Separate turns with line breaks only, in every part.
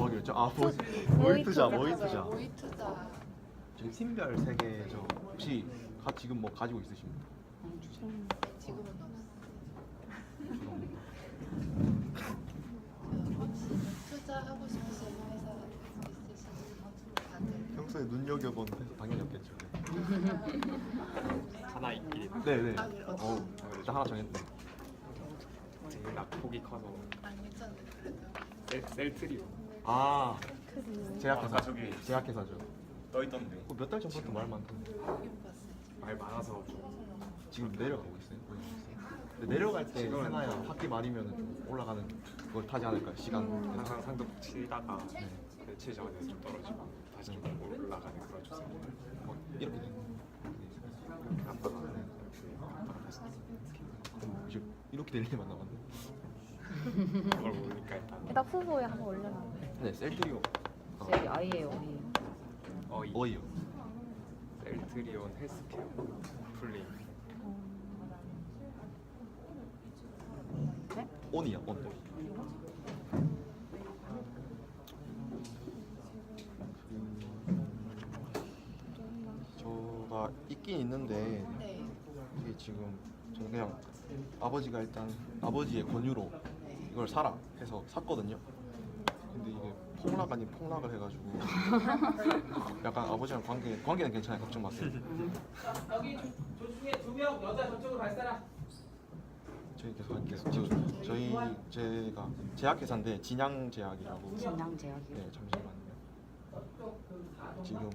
하기로 했죠? 아 모의 투자.
모의 투자.
저희 팀별 3개 저 혹시 지금 뭐 가지고 있으십니까?
지금은 없어.
죄송합니다.
혹시 투자하고 싶으신 회사 있으신지 다들.
평소에 눈여겨본 회사 당연히 없겠죠.
하나 있긴 있는데
네네.
아, 그래, 어떤
일단 하나 정했네.
제일 낙폭이 커서
안 괜찮은데 그래도.
셀트리오
아
아까
제약회사.
저기
제약회사죠.
떠있던데
몇 달 전부터 말 많던데.
여긴 봤어요.
말 많아서 좀
지금 내려가고 있어요. 근데 내려갈 때
지금은-
세나야 학기 말이면 좀 올라가는 걸 타지 않을까요? 시간.
항상 상도 치다가
네.
며칠 전에 좀 떨어지고 다시 좀 올라가는 그런 추세.
이렇게 되는.
아빠가 아빠가 다시
그럼 이제 이렇게 될 일만 남았네.
그걸 모르니까 일단
일단 후보에 한번 올려놔.
네, 셀트리오.
여기 아이예요, 우리.
어이요.
셀트리온 헬스케어 풀링
네?
온이야, 온. 저가 있긴 있는데
네.
이게 지금 저는 그냥 아버지가 일단 아버지의 권유로 이걸 사라 해서 샀거든요. 근데 이게 폭락 아닌 폭락을 해가지고 약간 아버지랑 관계는 괜찮아요. 걱정 마세요.
여기 저 중에 2명 여자 저쪽으로 갈 사람.
저희 계속 할게요. 제가 제약회사인데 진양제약이라고.
진양제약이요.
네, 잠시만요. 지금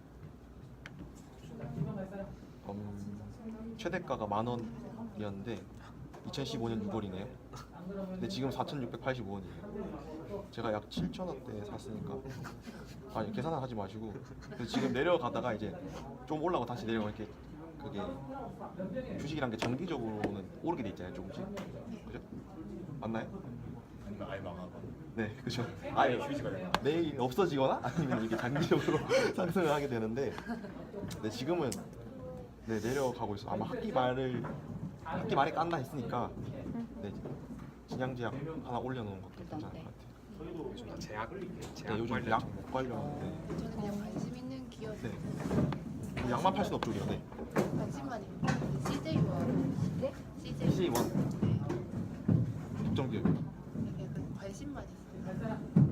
최대가가 10,000원이었는데 2015년 6월이네요. 근데 지금 4,685원이에요. 제가 약 7,000원대에 샀으니까 아니 계산을 하지 마시고 그래서 지금 내려가다가 이제 좀 올라가고 다시 내려가 이렇게 그게 주식이란 게 정기적으로는 오르게 돼 있잖아요, 조금씩. 그죠? 맞나요?
아예 망하고
네, 그죠. 아예
휴지가 되나?
매일 없어지거나 아니면 이게 장기적으로 상승을 하게 되는데, 네 지금은 네 내려가고 있어. 아마 학기 말에 깐다 했으니까 네 진양제약 하나 올려놓은 것도 괜찮을 것 같아요.
요즘 다 제약
네, 요즘
관련
약 관련. 네.
저는 그냥 관심 있는 기업
네. 약만 팔 수는 없죠, 우리가. 네.
관심만 있는 CJ원.
네?
CJ.
CJ1
네.
국정 기업.
약간 관심만 있어요.